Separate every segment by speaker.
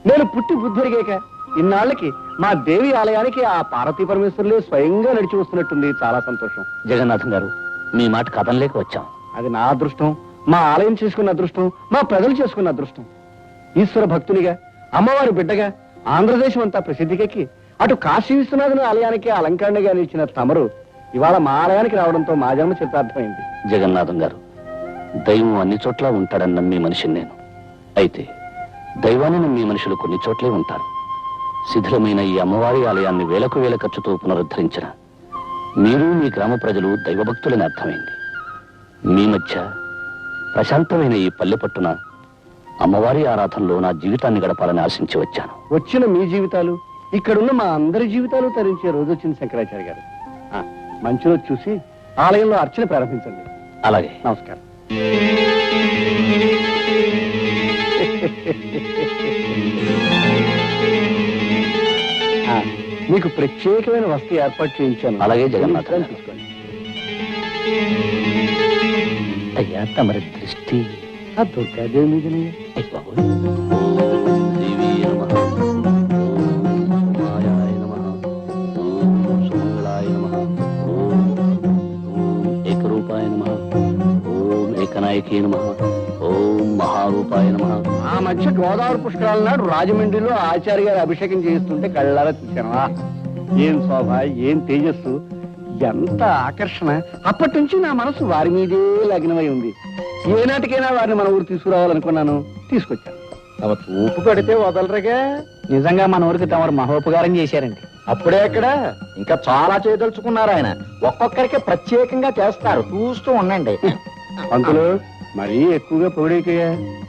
Speaker 1: నేను పుట్టి బుద్ధిరిగాక ఇన్నాళ్ళకి మా దేవి ఆలయానికి ఆ పార్వతీ పరమేశ్వరులే స్వయంగా నడిచి వస్తున్నట్టుంది. చాలా సంతోషం.
Speaker 2: జగన్నాథం గారు, మీ మాట కథంలేక వచ్చాం.
Speaker 1: అది నా అదృష్టం, మా ఆలయం చేసుకున్న అదృష్టం, మా ప్రజలు చేసుకున్న అదృష్టం. ఈశ్వర భక్తునిగా, అమ్మవారి బిడ్డగా ఆంధ్రదేశం అంతా ప్రసిద్ధికెక్కి అటు కాశీ విశ్వనాథుని ఆలయానికి అలంకరణగా నిలిచిన తమరు ఇవాళ మా ఆలయానికి రావడంతో మా జన్మ చిత్తార్థమైంది.
Speaker 2: జగన్నాథం గారు, దైవం అన్ని చోట్ల ఉంటాడని నమ్మి మనిషిని నేను. అయితే దైవాన్ని నమ్మి మనుషులు కొన్ని చోట్లే ఉంటారు. శిథిలమైన ఈ అమ్మవారి ఆలయాన్ని వేలకు వేల ఖర్చుతో పునరుద్ధరించిన మీరు, మీ గ్రామ ప్రజలు దైవభక్తులని అర్థమైంది. మీ మధ్య ప్రశాంతమైన ఈ పల్లె పట్టున అమ్మవారి ఆరాధనలో నా జీవితాన్ని గడపాలని ఆశించి వచ్చాను.
Speaker 1: వచ్చిన మీ జీవితాలు, ఇక్కడున్న మా అందరి జీవితాలు తరించే రోజు వచ్చింది శంకరాచార్య గారు. మంచి రోజు చూసి ఆలయంలో అర్చన ప్రారంభించండి.
Speaker 2: అలాగే.
Speaker 1: నమస్కారం. మీకు ప్రత్యేకమైన వస్తు ఏర్పాటు చేయించాను.
Speaker 2: అలాగే జగన్నాథం.
Speaker 1: తీసుకోండి.
Speaker 2: అయ్యా, తమరి దృష్టి
Speaker 1: ఆ దుర్గాదేవి మీదనే.
Speaker 2: ఓం మహారూపాయ నమః.
Speaker 1: ఆ మధ్య గోదావరి పుష్కరాల నాడు రాజమండ్రిలో ఆచార్య గారు అభిషేకం చేయిస్తుంటే కళ్ళారా చూశాను. ఏం శోభ, ఏం తేజస్సు, ఎంత ఆకర్షణ. అప్పటి నుంచి నా మనసు వారి మీదే లగ్నమై ఉంది. ఏనాటికైనా వారిని మన ఊరు తీసుకురావాలనుకున్నాను, తీసుకొచ్చాను. తమ చూపు పడితే వదలరుగా.
Speaker 3: నిజంగా మన ఊరికి తమరు మహోపకారం చేశారండి.
Speaker 1: అప్పుడే అక్కడ ఇంకా చాలా చేయదలుచుకున్నారు ఆయన. ఒక్కొక్కరికి ప్రత్యేకంగా చేస్తారు, చూస్తూ ఉండండి. పంతులు మరీ ఎక్కువగా పొగిడేకయ్యా.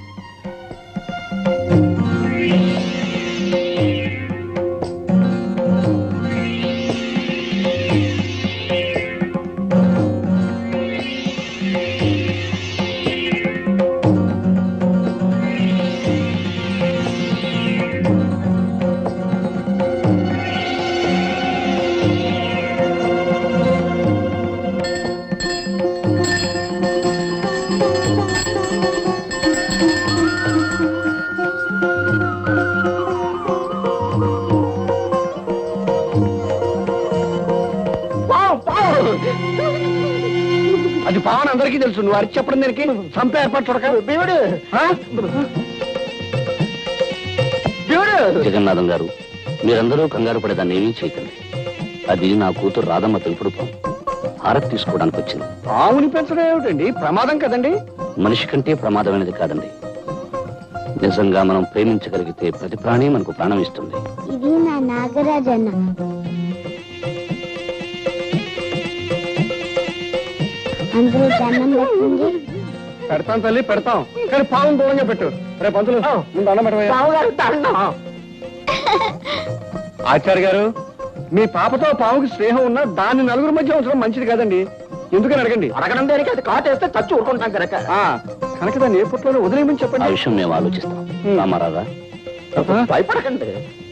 Speaker 1: అది పావన్ అందరికీ తెలుసు. నువ్వు అరిచి చెప్పడం దానికి సంపే ఏర్పాటు చూడక.
Speaker 2: జగన్నాథం గారు, మీరందరూ కంగారు పడేదాన్ని ఏమీ చేయకండి. అది నా కూతురు రాధమ్మ తెలుపుడు పాము. హారతి తీసుకోవడానికి వచ్చింది.
Speaker 1: పావుని పెంచడం ఏమిటండి? ప్రమాదం కదండి.
Speaker 2: మనిషి కంటే ప్రమాదమైనది కాదండి. నిజంగా మనం ప్రేమించగలిగితే ప్రతి ప్రాణి మనకు ప్రాణం ఇస్తుంది.
Speaker 4: ఇది నా నాగరాజన్న. అందరూ దండం పెట్టండి.
Speaker 1: పెడతాం తల్లి, పెడతాం. కానీ పావును దూరంగా పెట్టు. రేపు పంతులు ముందు అన్నం పెట్టవయ్యా. ఆచార్య గారు, మీ పాపతో పావుకి స్నేహం ఉన్నా దాన్ని నలుగురు మధ్య ఉంచడం మంచిది కాదండి. ఎందుకని అడగండి.
Speaker 3: అడగడం దేనికి? అది కాటేస్తే చచ్చి ఊరుకుంటాం కనుక.
Speaker 1: కనుక దాన్ని ఏ పుట్లోనే వదిలేయమని
Speaker 2: ఆ
Speaker 1: చెప్పండి.
Speaker 2: విషయం మేము ఆలోచిస్తాం. రామారాధా,
Speaker 3: భయపడకండి.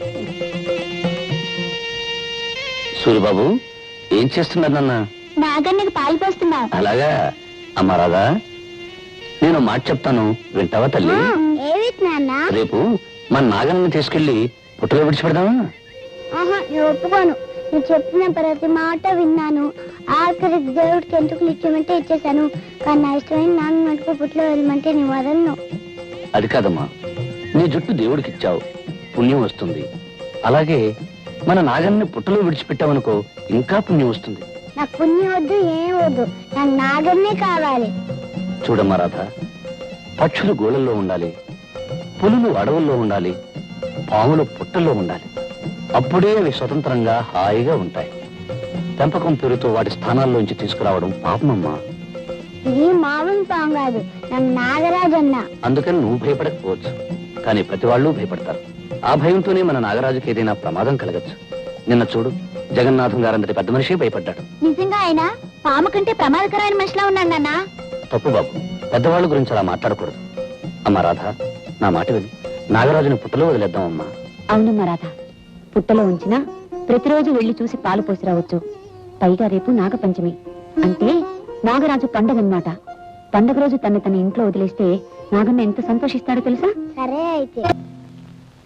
Speaker 2: సూర్యబాబు ఏం చేస్తున్నారు నాన్న?
Speaker 4: నాగన్నకి పాలు పోస్తున్నా.
Speaker 2: అలాగా. అమ్మా రాధా, నేను మాట చెప్తాను, వింటావా తల్లి?
Speaker 4: ఏవి నాన్న?
Speaker 2: రేపు మన నాగన్నని తీసుకెళ్లి పుట్టలో విడిచిపెడదామా?
Speaker 4: ఆహా, నేను ఒప్పుకోను. నువ్వు చెప్పిన ప్రతి మాట విన్నాను. ఆఖరికి దేవుడికి ఎంటుకలు ఇచ్చేమంటే ఇచ్చేసాను. కానీ నా ఇష్టమైన నాన్న మటుకు పుట్లో వెళ్ళమంటే నీ వదలను.
Speaker 2: అది కాదమ్మా, నీ జుట్టు దేవుడికి ఇచ్చావు, పుణ్యం వస్తుంది. అలాగే మన నాగన్ని పుట్టలో విడిచిపెట్టావనుకో, ఇంకా పుణ్యం వస్తుంది.
Speaker 4: నాకు పుణ్యం వద్దు, ఏం వద్దు, నాకు నాగన్నే కావాలి.
Speaker 2: చూడమ్మా రాధ, పక్షులు గోళల్లో ఉండాలి, పులులు అడవుల్లో ఉండాలి, పాములు పుట్టల్లో ఉండాలి. అప్పుడే అవి స్వతంత్రంగా హాయిగా ఉంటాయి. పెంపకం పేరుతో వాటి స్థానాల్లోంచి తీసుకురావడం పాపమమ్మా.
Speaker 4: ఇది మామూలు పాము కాదు, నాకు నాగరాజన్న.
Speaker 2: అందుకని నువ్వు భయపడకపోవచ్చు, కానీ ప్రతి వాళ్ళు భయపడతారు. ఆ భయంతోనే మన నాగరాజుకి ఏదైనా ప్రమాదం కలగచ్చు. నిన్న చూడు, జగన్నాథం గారంతటి పెద్ద మనిషి భయపడ్డాడు.
Speaker 4: నిజంగా ఆయన పాము కంటే ప్రమాదకరమైన మనిషిలా ఉన్నాడు నాన్న.
Speaker 2: తప్పు బాబు, పెద్దవాళ్ళ గురించి అలా మాట్లాడకూడదు. అమ్మా రాధ, నా మాట విని నాగరాజుని పుట్టలో వదిలేద్దాం అమ్మా.
Speaker 5: అవునమ్మా రాధ, పుట్టలో ఉంచినా ప్రతిరోజు వెళ్లి చూసి పాలు పోసి రావచ్చు. పైగా రేపు నాగపంచమి అంటే నాగరాజు పండగన్నమాట. పండగ రోజు తన ఇంట్లో వదిలేస్తే నాగన్న ఎంత సంతోషిస్తాడో తెలుసా?
Speaker 4: సరే అయితే.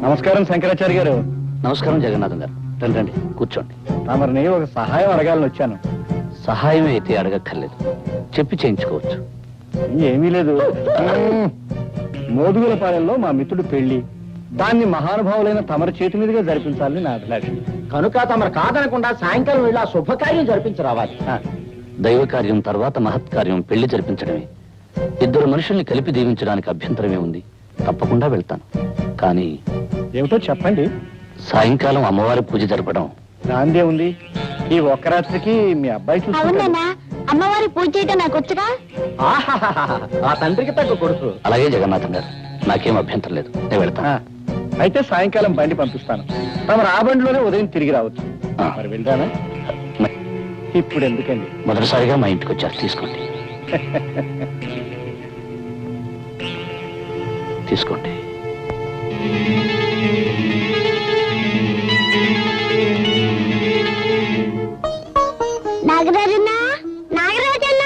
Speaker 1: నమస్కారం శంకరాచార్య గారు.
Speaker 2: నమస్కారం జగన్నాథం గారు. రండి రండి, కూర్చోండి.
Speaker 1: తమరిని ఒక సహాయం అడగాలని వచ్చాను.
Speaker 2: సహాయం అయితే అడగక్కర్లేదు, చెప్పి చేయించుకోవచ్చు.
Speaker 1: ఏమీ లేదు. మోదుగులపాలెంలో మా మిత్రుడు పెళ్లి, దాన్ని మహానుభావులైన తమరి చేతి మీదుగా జరిపించాలని నా అభిలాష.
Speaker 3: కనుక తమరు కాదనకుండా సాయంకాలం వెళ్ళి ఆ శుభకార్యం జరిపించి రావాలి.
Speaker 2: దైవ కార్యం తర్వాత మహత్కార్యం పెళ్లి జరిపించడమే. ఇద్దరు మనుషుల్ని కలిపి దీవించడానికి అభ్యంతరమే ఉంది. తప్పకుండా వెళ్తాను. కానీ
Speaker 1: ఏమిటో చెప్పండి.
Speaker 2: సాయంకాలం అమ్మవారి పూజ జరపడం.
Speaker 1: దాందే ఉంది. ఈ ఒక్క రాత్రికి మీ అబ్బాయి చూసుకుంటాడు.
Speaker 4: అవునా అమ్మవారి పూజ చేయటం నాకు వచ్చుగా.
Speaker 3: ఆహాహాహా, ఆ తండ్రికి తగ్గ కొడుకు.
Speaker 2: అలాగే జగన్నాథం గారు, నాకేం అభ్యంతరం లేదు. నేను వెళ్తాను.
Speaker 1: అయితే సాయంకాలం బండి పంపిస్తాను. తమరు ఆ బండిలోనే ఉదయం తిరిగి రావచ్చు.
Speaker 2: ఆ.
Speaker 1: మరి వెళ్తానా? ఇప్పుడు ఎందుకండి?
Speaker 2: మొదటిసారిగా మా ఇంటికి వచ్చారు, తీసుకోండి. తీసుకోండి.
Speaker 4: నాగరాజన్నా, నాగరాజన్నా,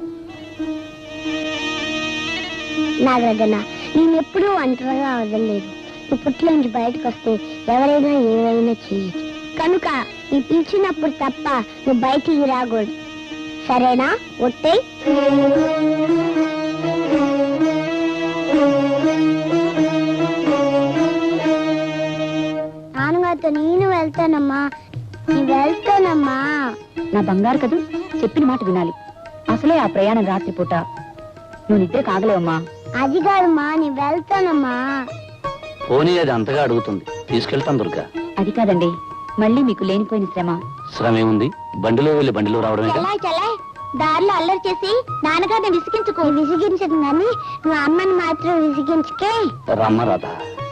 Speaker 4: నాగరాజన్నా, నేను ఎప్పుడూ ఒంటరిగా వదలలేదు. నువ్వు పుట్టిలోంచి బయటకు వస్తే ఎవరైనా ఏమైనా చేయొచ్చు. కనుక నీ పిలిచినప్పుడు తప్ప నువ్వు బయటికి రాకూడదు. సరేనా? ఒట్టే. నాన్నగారితో నేను వెళ్తానమ్మా. నీ వెళ్తానమ్మా.
Speaker 5: నా బంగారు కదూ, చెప్పిన మాట వినాలి. అసలే ఆ ప్రయాణం రాత్రిపూట. నువ్వు నిద్ర కాగలేవమ్మా.
Speaker 4: అది కాదమ్మా, నీ వెళ్తానమ్మా.
Speaker 2: పోనీ అది అంతగా అడుగుతుంది, తీసుకెళ్తాను దుర్గా.
Speaker 5: అది కాదండి, మళ్ళీ మీకు లేనిపోయిన శ్రమ.
Speaker 2: శ్రమ ఏముంది? బండిలో వెళ్ళి బండిలో రావడమే.
Speaker 4: చలాయ్ చలాయ్, దారిలో అల్లరి చేసి నాన్నగారిని విసిగించుకో. విసిగించదు కానీ నువ్వు అమ్మని మాత్రం విసిగించుకే.
Speaker 2: రమ్మ రాధా.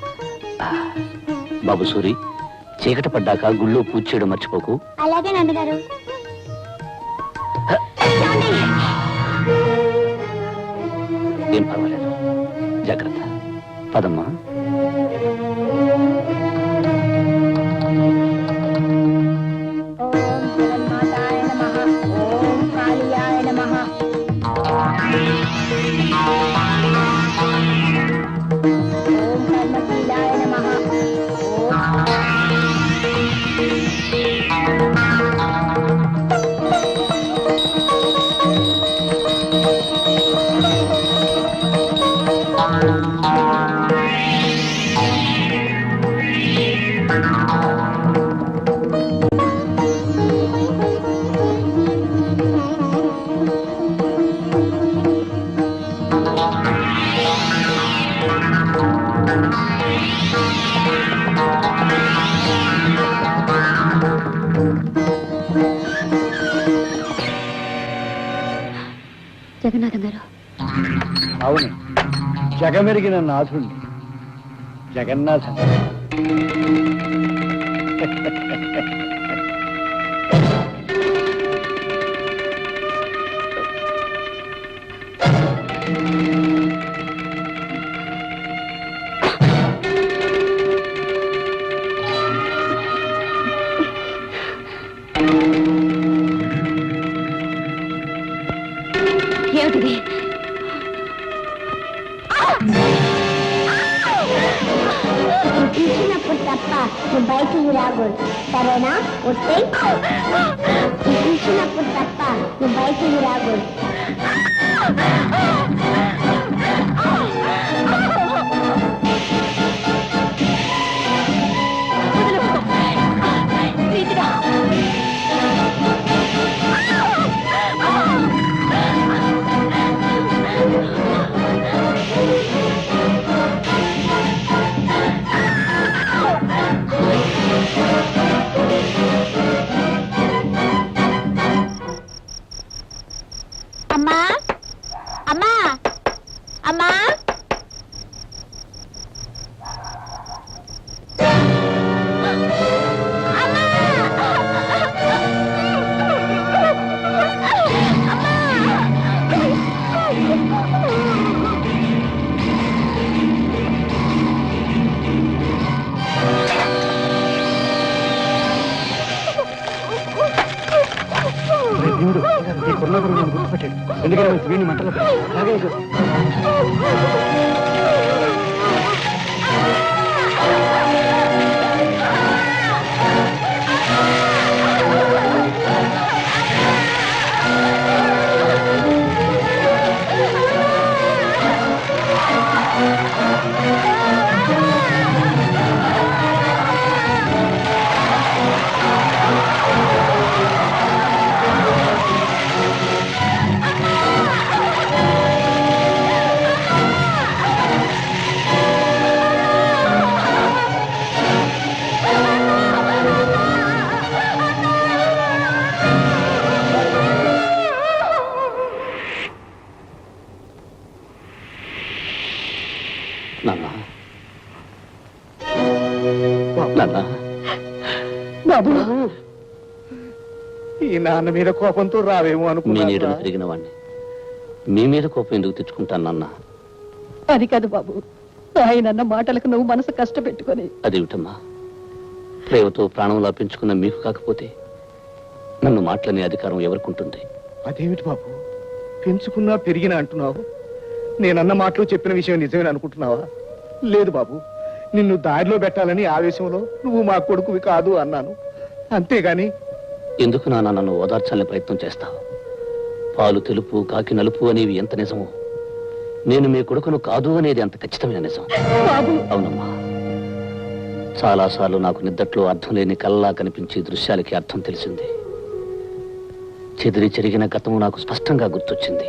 Speaker 2: బాబు సూరి, చీకటి పడ్డాక గుళ్ళో పూజ చేయడం మర్చిపోకు.
Speaker 4: అలాగే నాన్నగారు.
Speaker 2: ఏం పర్వాలేదు, జాగ్రత్త. పదమ్మా.
Speaker 4: ఓం జగన్మాతాయ నమః. ఓం కాళియాయ నమః. ఓం కర్మశీలాయ నమః.
Speaker 5: జగన్నాథం గారు,
Speaker 1: అవును, జగమెరిగిన నాథుణ్ణి, జగన్నాథం.
Speaker 5: ఏమిటిది?
Speaker 4: పిలిచినప్పుడు తప్ప నువ్వు బయటికి రాకూడదు. సరేనా? ఒట్టే. పిలిచినప్పుడు తప్ప నువ్వు బయటికి రాకూడదు. అమ్మా, అమ్మా, అమ్మా.
Speaker 1: దేవుడు, ఈ కొన్నాడు నన్ను గుర్తుపట్టాడు. ఎందుకంటే వీడిని మంటలో అలాగే
Speaker 2: నాన్న
Speaker 3: బాబు ఈ నాన్న మీద కోపంతో రావేమో
Speaker 2: మీ
Speaker 3: అనుకున్నా
Speaker 2: నీడను తిరిగిన వాడిని మీ మీద కోపం ఎందుకు తెచ్చుకుంటాను నాన్న?
Speaker 6: అది కాదు బాబు, ఆయనన్న మాటలకు నువ్వు మనసు కష్టపెట్టుకొని
Speaker 2: అదేమిటమ్మా, ప్రేమతో ప్రాణంలా పెంచుకున్న మీకు కాకపోతే నన్ను మాటలనే అధికారం ఎవరికుంటుంది?
Speaker 3: అదేమిటి బాబు, పెంచుకున్నా పెరిగినా అంటున్నావు? నేనన్న మాటలు చెప్పిన విషయం నిజమేనా అనుకుంటున్నావా? లేదు బాబు, నిన్ను దారిలో పెట్టాలని ఆవేశంలో నువ్వు మా కొడుకువి కాదు అన్నాను, అంతేగాని
Speaker 2: ఎందుకు నాన్న నన్ను ఓదార్చాలని ప్రయత్నం చేస్తావు? పాలు తెలుపు కాకి నలుపు అనేవి ఎంత నిజమో, నేను మీ కొడుకును కాదు అనేది అంత ఖచ్చితమైన నిజం. అవునమ్మా, చాలాసార్లు నాకు నిద్దట్లో అర్థం లేని కల్లా కనిపించే దృశ్యాలకి అర్థం తెలిసింది. చెదిరి చెరిగిన గతము నాకు స్పష్టంగా గుర్తొచ్చింది.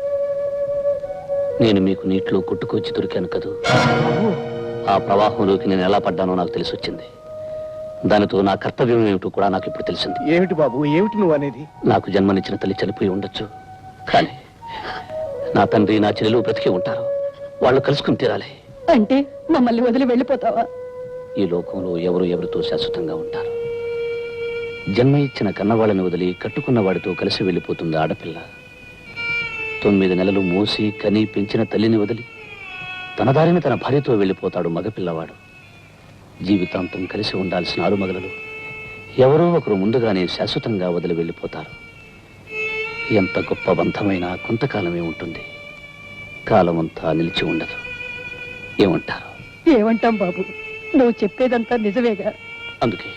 Speaker 2: నేను మీకు నీటిలో కొట్టుకొచ్చి దొరికాను కదూ, ఆ ప్రవాహంలోకి నేను ఎలా పడ్డానో నాకు తెలిసి వచ్చింది. దానితో నా కర్తవ్యం ఏమిటో కూడా నాకు ఇప్పుడు తెలిసింది.
Speaker 3: ఏమిటి బాబు, ఏమిటి నువ్వు అనేది?
Speaker 2: నాకు జన్మనిచ్చిన తల్లి చనిపోయి ఉండొచ్చు, కానీ నా తండ్రి నా చెల్లెలు బ్రతికి ఉంటారు. వాళ్ళు కలుసుకుని తీరాలి.
Speaker 6: అంటే మమ్మల్ని వదిలి వెళ్ళిపోతావా?
Speaker 2: ఈ లోకంలో ఎవరు ఎవరితో శాశ్వతంగా ఉంటారు. జన్మ ఇచ్చిన కన్నవాళ్ళని వదిలి కట్టుకున్న వాడితో కలిసి వెళ్ళిపోతుంది ఆడపిల్ల. 9 నెలలు మోసి కని పెంచిన తల్లిని వదిలి తన దారిని తన భార్యతో వెళ్ళిపోతాడు మగపిల్లవాడు. జీవితాంతం కలిసి ఉండాల్సిన ఆలుమగలలు ఎవరో ఒకరు ముందుగానే శాశ్వతంగా వదిలి వెళ్ళిపోతారు. ఎంత గొప్ప బంధమైనా కొంతకాలమే ఉంటుంది, కాలమంతా నిలిచి ఉండదు. ఏమంటారు?
Speaker 6: ఏమంటాం బాబు, నువ్వు చెప్పేదంతా నిజమేగా.
Speaker 2: అందుకే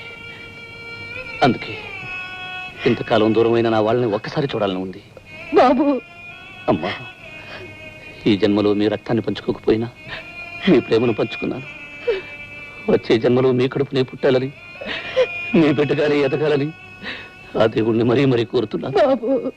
Speaker 2: ఇంతకాలం దూరమైన నా వాళ్ళని ఒక్కసారి చూడాలని ఉంది.
Speaker 6: బాబు,
Speaker 2: అమ్మా, ఈ జన్మలో మీ రక్తాన్ని పంచుకోకపోయినా మీ ప్రేమను పంచుకున్నాను. వచ్చే జన్మలో మీ కడుపునే పుట్టాలని, మీ బిడ్డగానే ఎదగాలని ఆ దేవుణ్ణి మరీ మరీ కోరుతున్నాను.
Speaker 6: బాబు.